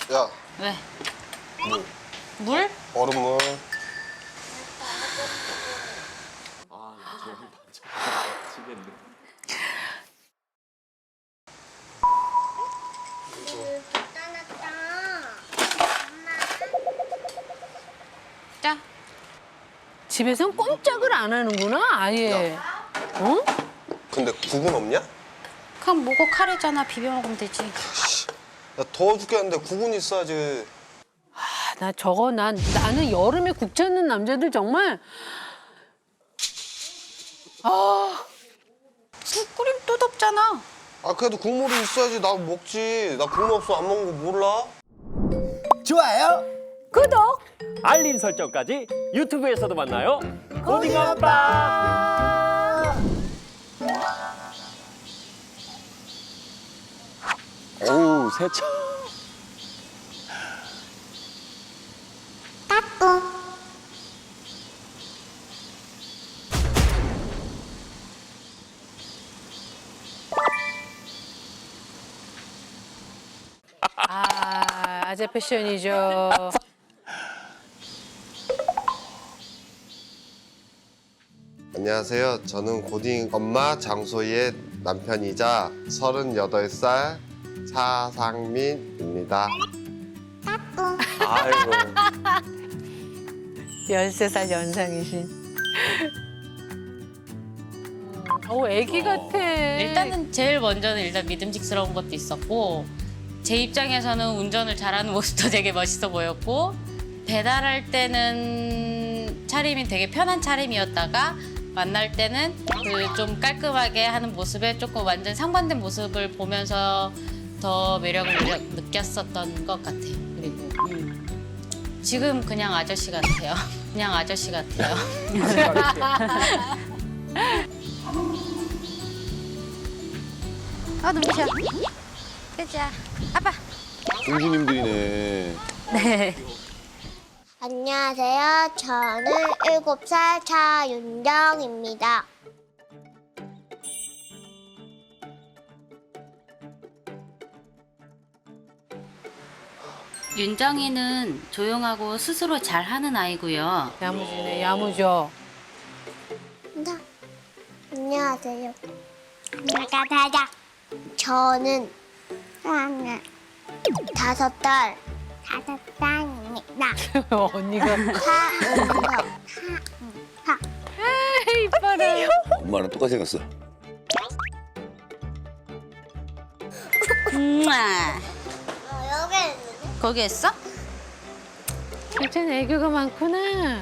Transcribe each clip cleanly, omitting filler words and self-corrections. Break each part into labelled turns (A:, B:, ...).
A: 야,
B: 왜?
A: 물.
B: 물?
A: 얼음물.
B: 자.
C: 집에선 꼼짝을 안 하는구나, 아예. 어?
A: 근데 국은 없냐?
B: 그냥 뭐고 카레잖아. 비벼 먹으면 되지.
A: 야, 더워 죽겠는데 국은 있어야지.
C: 아, 나 저거 나는 여름에 국 찾는 남자들 정말
B: 국 끓이면 또 덥잖아.
A: 아, 그래도 국물이 있어야지. 나 먹지. 나 국물 없어 안 먹는 거 몰라?
D: 좋아요.
C: 구독!
E: 알림 설정까지 유튜브에서도 만나요. 고딩 아빠. 어우 세차.
C: 아, 아재 패션이죠.
A: 안녕하세요. 저는 고딩 엄마 장소희의 남편이자 38살 차상민입니다.
E: 아이고.
C: 13살 연상이신. 애기 같아.
B: 일단은 제일 먼저는 일단 믿음직스러운 것도 있었고 제 입장에서는 운전을 잘하는 모습도 되게 멋있어 보였고 배달할 때는 차림이 되게 편한 차림이었다가 만날 때는 그 좀 깔끔하게 하는 모습에 조금 완전 상반된 모습을 보면서 더 매력을 느꼈었던 것 같아요. 그리고 지금 그냥 아저씨 같아요. 그냥 아저씨 같아요. 눈부셔. 그자. 아빠.
D: 공주님들이네.
B: 네.
F: 안녕하세요. 저는 7살 차윤정입니다.
B: 윤정이는 조용하고 스스로 잘하는 아이고요.
C: 야무지네, 야무져.
F: 안녕하세요. 나가다자. 저는 5살입니다.
C: 언니가.
F: 차은정.
C: 이뻐라.
D: 엄마랑 똑같이 생겼어.
F: 여기 있는데?
B: 거기 했어?
C: 진짜 애교가 많구나.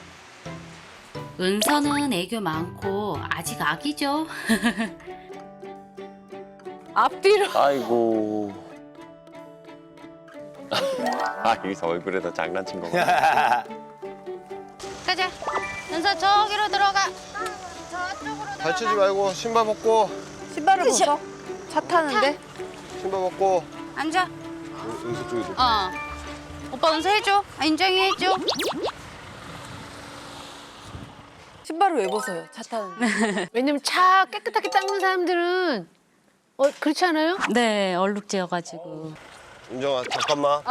B: 은서는 애교 많고 아직 아기죠.
C: 앞뒤로.
E: 아이고. 아 여기서 얼굴에다 장난친 거구나.
B: 가자. 은서 저기로 들어가.
A: 다치지 말고 신발 벗고.
G: 신발을 벗어? 차 타는데?
A: 신발 벗고.
B: 앉아.
A: 은수 쪽에 좀.
B: 오빠 은서 해줘. 인정이 해줘.
G: 신발을 왜 벗어요? 차 타는데?
C: 왜냐면 차 깨끗하게 닦는 사람들은 그렇지 않아요?
B: 네, 얼룩지여가지고.
A: 은정아 잠깐만.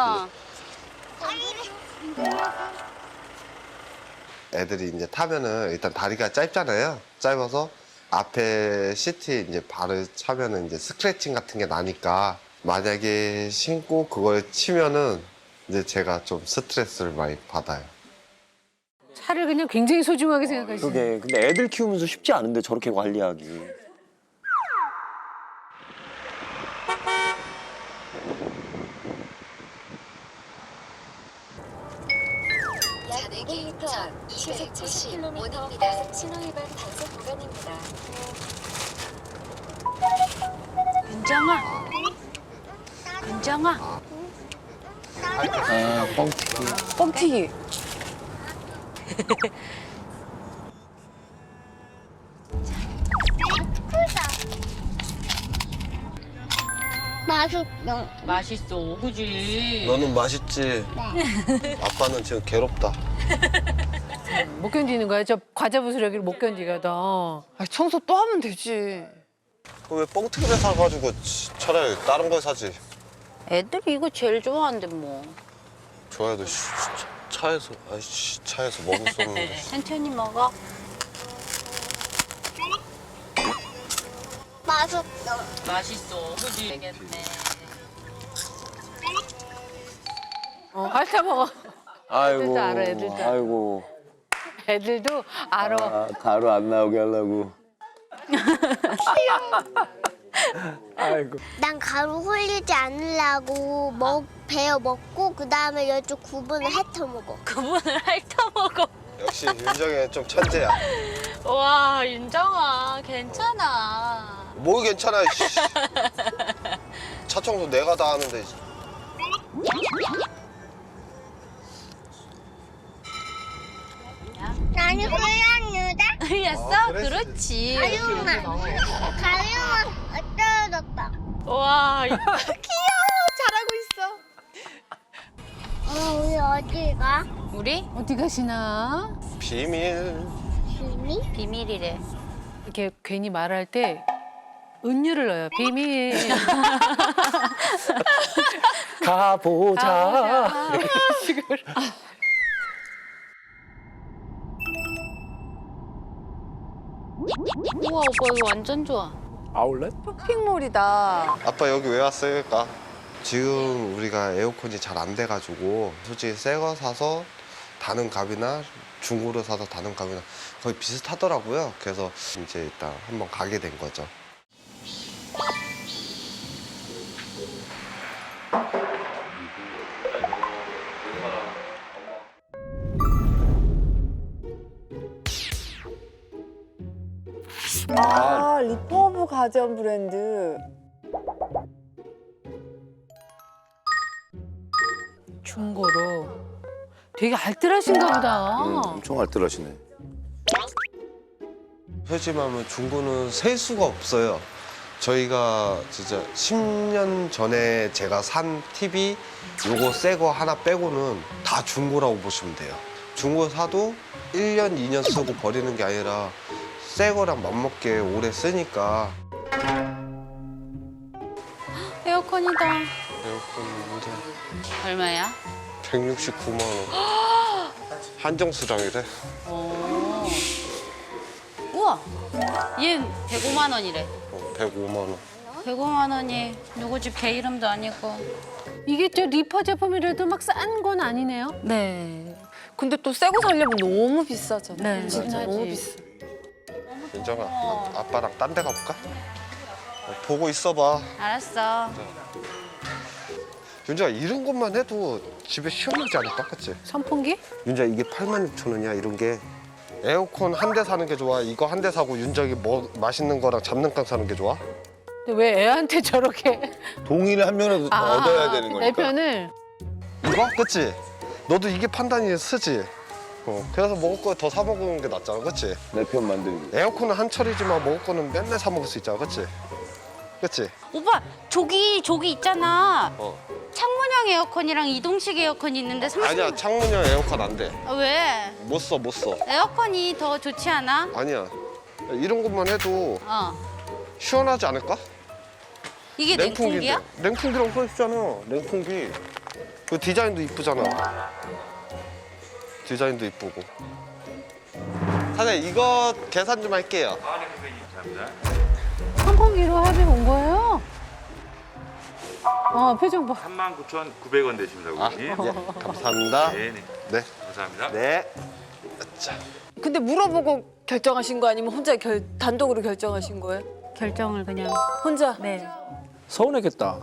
A: 애들이 이제 타면은 일단 다리가 짧잖아요. 짧아서 앞에 시트에 이제 발을 차면은 이제 스크래칭 같은 게 나니까 만약에 신고 그걸 치면은 이제 제가 좀 스트레스를 많이 받아요.
C: 차를 그냥 굉장히 소중하게 생각하시네.
E: 그게 근데 애들 키우면서 쉽지 않은데 저렇게 관리하기.
H: 약 4km, 270km입니다. 신호위반 단속 구간입니다.
B: 윤정아. 윤정아.
D: 아, 뻥튀기.
G: 뻥튀기.
F: 맛있어.
B: 맛있어, 그지?
A: 너는 맛있지? 아빠는 지금 괴롭다.
C: 못 견디는 거야. 저 과자 부스러기를 못 견디거든.
G: 아, 청소 또 하면 되지.
A: 왜 뻥튀기를 사가지고 차라리 다른 걸 사지?
B: 애들이 이거 제일 좋아한대 뭐.
A: 좋아해도 차에서 차에서 먹을 수 없는데.
B: 천천히 먹어.
F: 맛없어.
B: 맛있어. 그지? 되겠네.
C: 핥아 먹어.
D: 아이고.
C: 알아, 애들도 알아.
D: 아이고.
C: 애들도 알아.
D: 아, 가루 안 나오게 하려고. 아이고.
F: 난 가루 흘리지 않으려고 베어 먹고 그 다음에 이쪽 구분을 핥아 먹어.
B: 그분을 핥아 먹어.
A: 역시 윤정이 좀 천재야.
B: 와 윤정아 괜찮아.
A: 뭐 괜찮아. 씨. 차 청소 내가 다 하는데.
F: 나는 흘렸는데?
B: 흘렸어?
A: 아, 그랬지.
B: 그렇지.
F: 가루만 떨어졌다.
B: 와
F: 우리 어디 가?
B: 우리
C: 어디 가시나?
A: 비밀.
F: 비밀?
B: 비밀이래.
C: 이렇게 괜히 말할 때 은유를 넣어요. 비밀.
D: 가보자.
B: 우와 오빠 이거 완전 좋아.
D: 아울렛?
G: 쇼핑몰이다.
A: 아빠 여기 왜 왔을까? 지금 우리가 에어컨이 잘 안 돼가지고 솔직히 새 거 사서 다는 값이나 중고로 사서 다는 값이나 거의 비슷하더라고요. 그래서 이제 일단 한번 가게 된 거죠.
G: 아, 리퍼브 가전 브랜드.
C: 중고로. 되게 알뜰하신가 보다.
D: 엄청 알뜰하시네.
A: 솔직히 말하면 중고는 셀 수가 없어요. 저희가 진짜 10년 전에 제가 산 TV 요거 새 거 하나 빼고는 다 중고라고 보시면 돼요. 중고 사도 1년, 2년 쓰고 버리는 게 아니라 새 거랑 맞먹게 오래 쓰니까.
B: 에어컨이다.
A: 에어컨인데
B: 얼마야?
A: 169만 원. 한정 수량이래.
B: 오. 우와. 얘 105만 원이래.
A: 105만 원.
B: 105만 원이 누구 집 개 이름도 아니고.
C: 이게 저 리퍼 제품이라도 막 싼 건 아니네요.
G: 네. 근데 또 새 거 살려면 너무 비싸잖아.
B: 네.
G: 진짜
C: 맞아요.
G: 너무 비싸.
A: 윤정아, 아빠랑 딴 데 가볼까? 보고 있어봐.
B: 알았어.
A: 윤정아, 이런 것만 해도 집에 시원하지 않을까? 그치?
C: 선풍기?
A: 윤정아, 이게 86,000원이야, 이런 게. 에어컨 한 대 사는 게 좋아? 이거 한 대 사고 윤정이 뭐 맛있는 거랑 잡는깡 사는 게 좋아?
C: 근데 왜 애한테 저렇게
D: 동의를 한 명이라도 더 얻어야 되는
C: 내
D: 거니까.
C: 편을
A: 이거? 그치? 너도 이게 판단이 쓰지? 그래서 먹을 거 더 사 먹는 게 낫잖아, 그치?
D: 내 편 만들기.
A: 에어컨은 한철이지만 먹을 거는 맨날 사 먹을 수 있잖아, 그치? 그치?
B: 오빠 조기 있잖아.
A: 어.
B: 창문형 에어컨이랑 이동식 에어컨이 있는데 30만
A: 아니야, 창문형 에어컨 안 돼.
B: 아, 왜?
A: 못 써, 못 써.
B: 에어컨이 더 좋지 않아?
A: 아니야. 이런 것만 해도
B: 어.
A: 시원하지 않을까?
B: 이게 냉풍기야?
A: 냉풍기라고 써있잖아. 냉풍기. 그 디자인도 이쁘잖아. 디자인도 이쁘고. 사장님, 이거 계산 좀 할게요.
C: 선풍기로 합의 본 거예요? 표정 봐.
I: 39,900원 되십니다, 고객님.
A: 예, 감사합니다.
I: 네네.
A: 네.
I: 감사합니다.
A: 네. 자,
G: 근데 물어보고 결정하신 거 아니면 혼자 단독으로 결정하신 거예요?
B: 결정을 그냥.
G: 혼자?
B: 네.
D: 서운했겠다.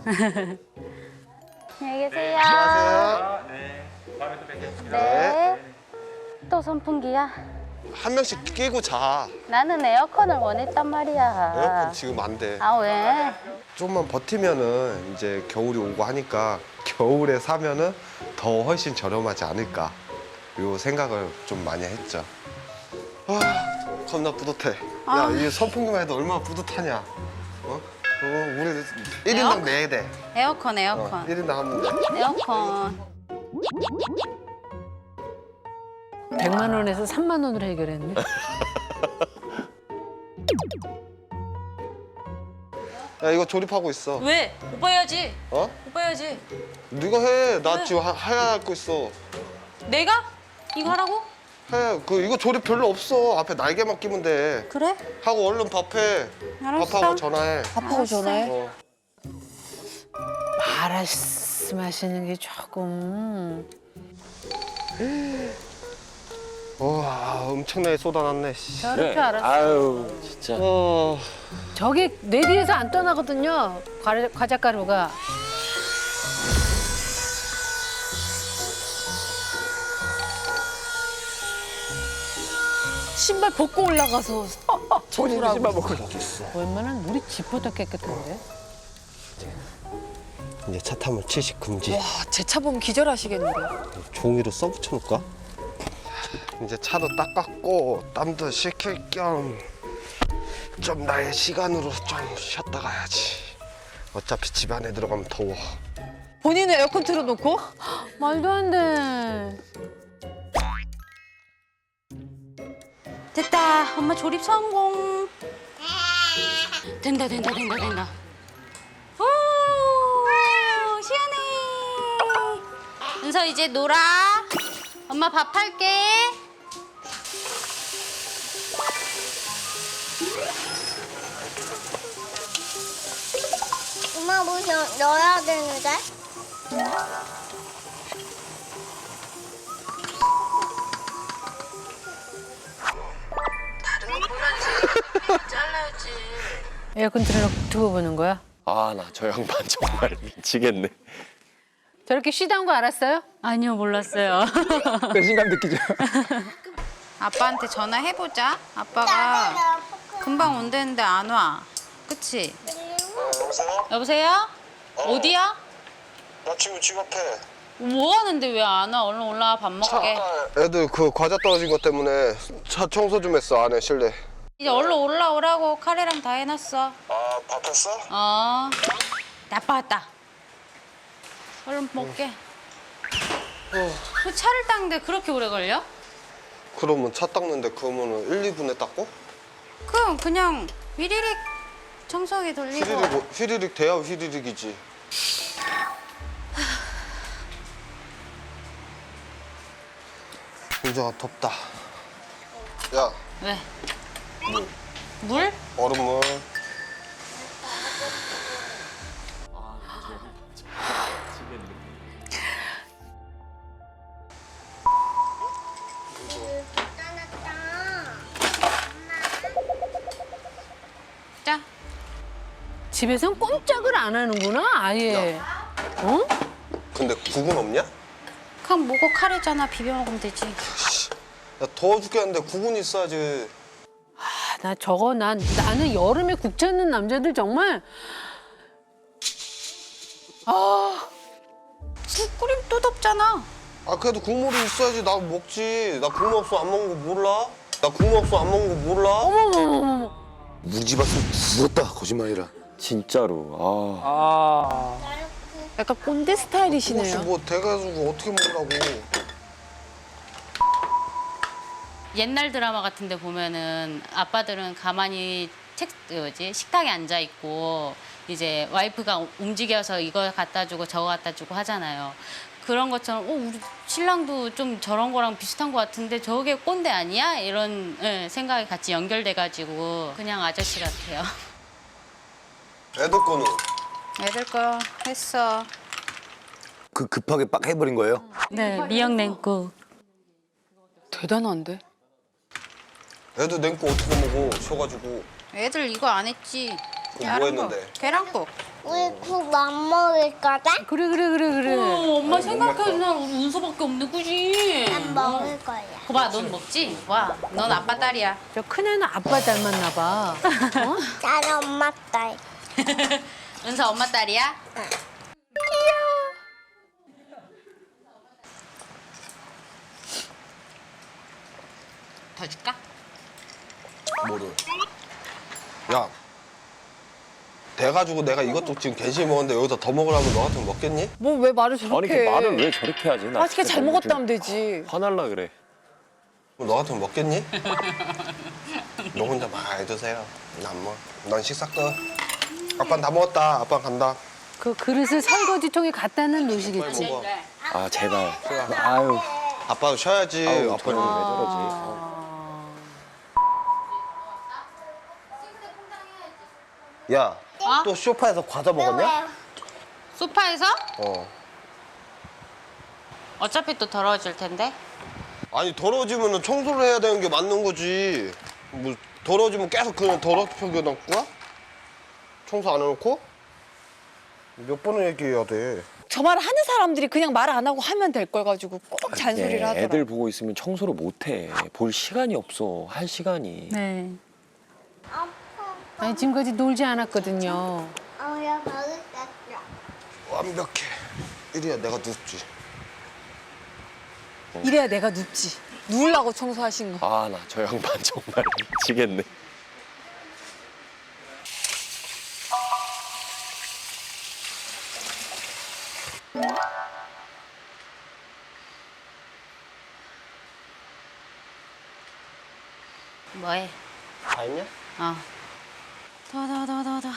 B: 안녕히 계세요.
A: 안녕하세요.
I: 네. 다음에 또 뵙겠습니다.
A: 네.
B: 또 선풍기야?
A: 한 명씩 끼고 자.
B: 나는 에어컨을 원했단 말이야.
A: 에어컨 지금 안 돼.
B: 아 왜?
A: 좀만 버티면은 이제 겨울이 오고 하니까 겨울에 사면은 더 훨씬 저렴하지 않을까. 요 생각을 좀 많이 했죠. 아, 겁나 뿌듯해. 야, 이 선풍기만 해도 얼마나 뿌듯하냐. 우리 1인당 4대.
B: 에어컨 에어컨.
A: 1인당 하면 돼.
B: 에어컨.
C: 100만 원에서 3만 원으로 해결했네.
A: 야, 이거 조립하고 있어.
B: 왜? 오빠 해야지.
A: 어?
B: 오빠 해야지.
A: 네가 해. 나 지금 해야 할 거 있어.
B: 내가? 이거 하라고?
A: 해. 이거 조립 별로 없어. 앞에 날개만 끼면 돼.
B: 그래?
A: 하고 얼른 밥해.
B: 알았어.
A: 밥하고 전화해.
G: 밥하고 전화해.
A: 어.
C: 말씀하시는 게 조금.
A: 와, 엄청나게 쏟아놨네. 씨.
C: 저럴 줄 알았어.
E: 아유 진짜.
C: 저게 내 뒤에서 안 떠나거든요. 과자가루가.
G: 신발 벗고 올라가서
D: 본인이 신발 먹고
C: 웬만한 우리 집보다 깨끗한데.
A: 이제 차 타면 취식 금지.
G: 와, 제 차 보면 기절하시겠는데.
A: 종이로 써붙여 놓을까? 이제 차도 닦았고 땀도 식힐 겸 좀 나의 시간으로 좀 쉬었다 가야지. 어차피 집 안에 들어가면 더워.
G: 본인은 에어컨 틀어놓고?
C: 말도 안 돼.
B: 됐다. 엄마 조립 성공. 된다. 오, 시원해. 은서 이제 놀아. 엄마 밥 할게.
F: 엄마 뭐 넣어야 되는데?
C: 에어컨 틀어놓고 두고 보는 거야?
E: 아 나 저 양반 정말 미치겠네.
C: 저렇게 쉬다 온 거 알았어요?
B: 아니요, 몰랐어요.
D: 배신감 느끼죠?
B: 아빠한테 전화해보자. 아빠가 금방 온다는데 안 와. 그치? 여보세요? 어디야?
A: 나 지금 집 앞에.
B: 뭐 하는데 왜 안 와? 얼른 올라와 밥 먹게.
A: 애들 그 과자 떨어진 것 때문에 차 청소 좀 했어. 안에 실내.
B: 이제 얼른 올라오라고 카레랑 다 해놨어.
A: 아, 밥 했어?
B: 아빠 왔다. 얼른 먹게. 그 차를 닦는데 그렇게 오래 걸려?
A: 그러면 차 닦는데 그러면은 1, 2분에 닦고?
B: 그럼 그냥 위리릭 청소기 돌리고.
A: 휘리릭 돼야 휘리릭이지. 윤정아 덥다. 야,
B: 왜? 물?
A: 얼음물.
B: 자.
C: 집에선 꼼짝을 안 하는구나, 아예. 어?
A: 근데 국은 없냐?
B: 그냥 뭐고 카레잖아. 비벼 먹으면 되지.
A: 야, 더워 죽겠는데 국은 있어야지.
C: 나는 여름에 국 찾는 남자들 정말.
B: 국 끓이면 또 덥잖아.
A: 아, 그래도 국물이 있어야지 나 먹지. 나 국물 없어 안 먹는 거 몰라? 나 국물 없어 안 먹는 거 몰라?
C: 어머머머머.
D: 무지 봤으면 죽었다. 거짓말이라.
E: 진짜로.
G: 약간 꼰대
A: 혹시
G: 스타일이시네요.
A: 뭐 돼가지고 어떻게 먹으라고.
B: 옛날 드라마 같은 데 보면은 아빠들은 가만히 식탁에 앉아 있고 이제 와이프가 움직여서 이거 갖다 주고 저거 갖다 주고 하잖아요. 그런 것처럼 우리 신랑도 좀 저런 거랑 비슷한 것 같은데 저게 꼰대 아니야? 이런 생각이 같이 연결돼가지고 그냥 아저씨 같아요.
A: 애들 거는?
B: 애들 거 했어.
D: 그 급하게 빡 해버린 거예요?
B: 네, 미역 냉국.
G: 대단한데?
A: 애들 냉고 어떻게 먹어 쉬어가지고.
B: 애들 이거 안 했지.
A: 그럼 뭐 했는데?
B: 계란국.
F: 우리 국 안 먹을 거다?
C: 그래.
B: 엄마 생각해도 우리 운서밖에 없네, 그지?
F: 난 먹을 거야.
B: 거봐, 넌 먹지? 와, 넌 아빠 딸이야.
C: 저 큰애는 아빠 닮았나 봐. 어?
F: 나는 엄마 딸.
B: 은서 엄마 딸이야? 더 줄까?
A: 뭐를? 야, 돼가지고 내가 이것도 지금 괜히 먹었는데 여기서 더 먹으라면 너 같으면 먹겠니?
G: 뭐 왜 말을
E: 아니
G: 저렇게
E: 그
G: 해?
E: 말을 왜 저렇게 하지? 나
G: 맛있게
E: 진짜
G: 잘
E: 너무
G: 먹었다
E: 좀
G: 하면 되지.
E: 화날라 그래.
A: 그럼 너 같으면 먹겠니? 너 혼자 많이 드세요. 난 뭐. 난 식사 끝. 아빠는 다 먹었다. 아빠 간다.
C: 그 그릇을 설거지통에 갖다는 놓으시겠지.
E: 아 제발. 아유.
A: 아빠도 쉬어야지.
E: 아우,
A: 아빠는
E: 저는 왜 저러지?
A: 야, 또 소파에서 과자 먹었냐?
B: 소파에서?
A: 어.
B: 어차피 또 더러워질 텐데.
A: 아니 더러워지면 청소를 해야 되는 게 맞는 거지. 뭐 더러워지면 계속 그냥 더럽게 놔둘 거야? 청소 안 해놓고? 몇 번을 얘기해야 돼.
G: 저 말 하는 사람들이 그냥 말 안 하고 하면 될 걸 가지고 꼭 잔소리를 하더라.
E: 애들 보고 있으면 청소를 못 해. 볼 시간이 없어. 할 시간이.
C: 네. 아니 지금까지 놀지 않았거든요.
F: 야 버릇 땄어.
A: 완벽해. 이래야 내가 눕지.
G: 이래야 내가 눕지. 누우려고 청소하신 거.
E: 아 나 저 양반 정말 미치겠네.
B: 뭐해?
A: 다 했냐?
B: 어. 더.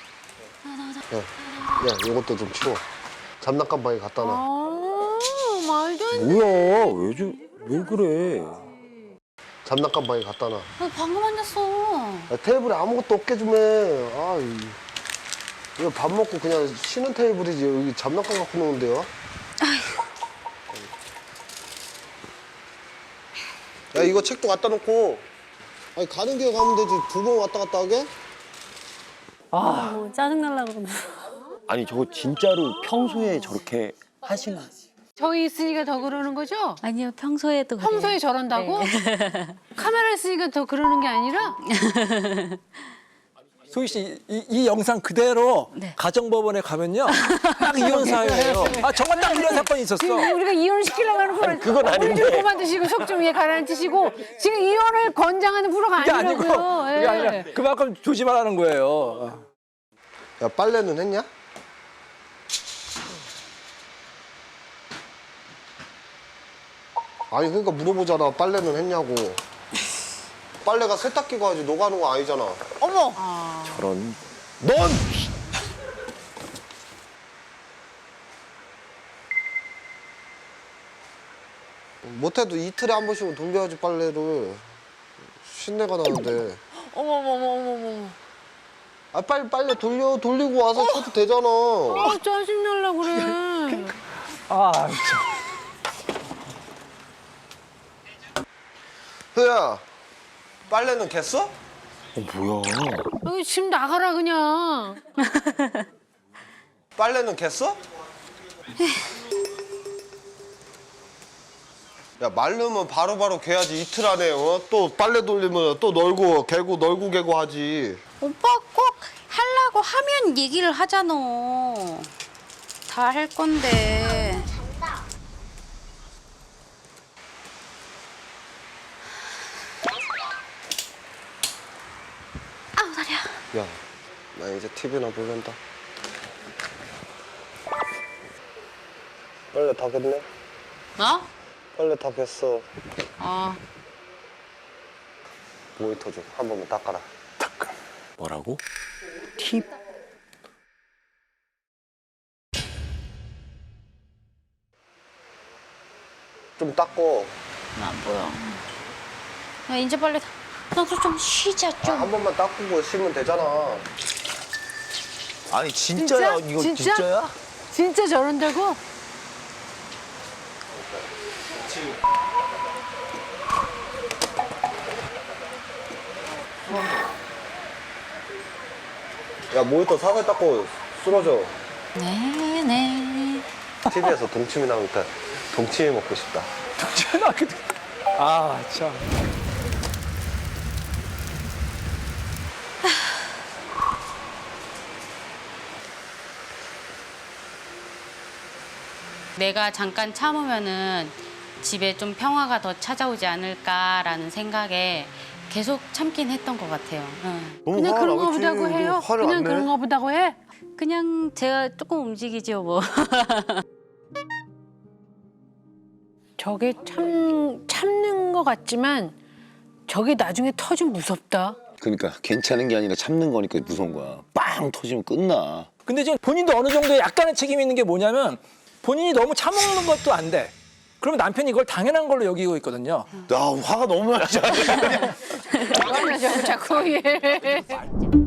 A: 야, 이것도 좀 치워. 장난감 방에 갖다 놔.
C: 아 말도 안 돼.
E: 뭐야? 왜 그래?
A: 장난감 방에 갖다 놔.
B: 너 방금 앉았어.
A: 야, 테이블에 아무것도 없게 좀 해. 아, 이거 밥 먹고 그냥 쉬는 테이블이지. 여기 장난감 갖고 노는데요? 야, 이거 책도 갖다 놓고. 아니, 가는 길에 가면 되지. 두 번 왔다 갔다 하게?
C: 짜증날라 그러네.
E: 아니 저거 진짜로 평소에 저렇게 하시나?
C: 저희 있으니까 더 그러는 거죠?
B: 아니요, 평소에도 그래요.
C: 평소에 저런다고? 카메라 있으니까 더 그러는 게 아니라?
J: 소희 씨, 이 영상 그대로
B: 네.
J: 가정법원에 가면요. 딱 이혼 사유예요. 아, 정말 딱 이런 사건이 있었어.
C: 지금 우리가 이혼시키려고 하는 프로
E: 그건 아닌데.
C: 물 좀 그만두시고 속 좀 위에 가라앉히시고 지금 이혼을 권장하는 프로가
J: 그게 아니고,
C: 아니라고요.
J: 그게
C: 예.
J: 아니라 그만큼 조심하라는 거예요.
A: 야, 빨래는 했냐? 아니, 그러니까 물어보잖아. 빨래는 했냐고. 빨래가 세탁기가 하지 너가 하는 거 아니잖아.
G: 어머.
E: 저런.
A: 넌! 못해도 이틀에 한 번씩은 돌려야지 빨래를. 신내가 나는데.
G: 어머머머머머.
A: 아, 빨리 빨래 돌리고 와서 쳐도 되잖아.
C: 아 짜증날라 그래.
J: 아, 진짜.
A: 흐야, 빨래는 겠어?
E: 뭐야?
C: 여기 지금 나가라 그냥.
A: 빨래는 겠어? 야, 마르면 바로바로 개야지. 이틀 안에 또 빨래 돌리면 또 널고 개고 하지.
B: 오빠 꼭 하려고 하면 얘기를 하잖아. 다 할 건데. 아우 다리야.
A: 야, 나 이제 TV나 볼란다. 빨래 다 겠네?
B: 어?
A: 빨래 다 겠어.
B: 어.
A: 모니터 좀 한 번만 닦아라.
E: 뭐라고?
A: 좀 닦고.
B: 안 보여. 야 이제 빨리 나도 좀 쉬자 좀.
A: 한 번만 닦고 쉬면 되잖아.
D: 아니 진짜야? 이거
C: 진짜?
D: 진짜야?
C: 진짜 저런다고?
A: 야, 모니터 사살 닦고 쓰러져.
B: 네네.
A: TV에서 동치미 나오니까 동치미 먹고 싶다.
J: 아, 참.
B: 내가 잠깐 참으면은 집에 좀 평화가 더 찾아오지 않을까라는 생각에 계속 참긴 했던 것 같아요. 응.
C: 그냥 그런가 보다고 해요? 그냥 그런가 보다고 해?
B: 그냥 제가 조금 움직이죠 뭐.
C: 저게 참는 것 같지만 저게 나중에 터지면 무섭다.
D: 그러니까 괜찮은 게 아니라 참는 거니까 무서운 거야. 빵 터지면 끝나.
J: 근데 지금 본인도 어느 정도 약간의 책임이 있는 게 뭐냐면 본인이 너무 차먹는 것도 안 돼. 그러면 남편이 이걸 당연한 걸로 여기고 있거든요.
D: 야, 화가 너무 나죠.
C: 자꾸 예.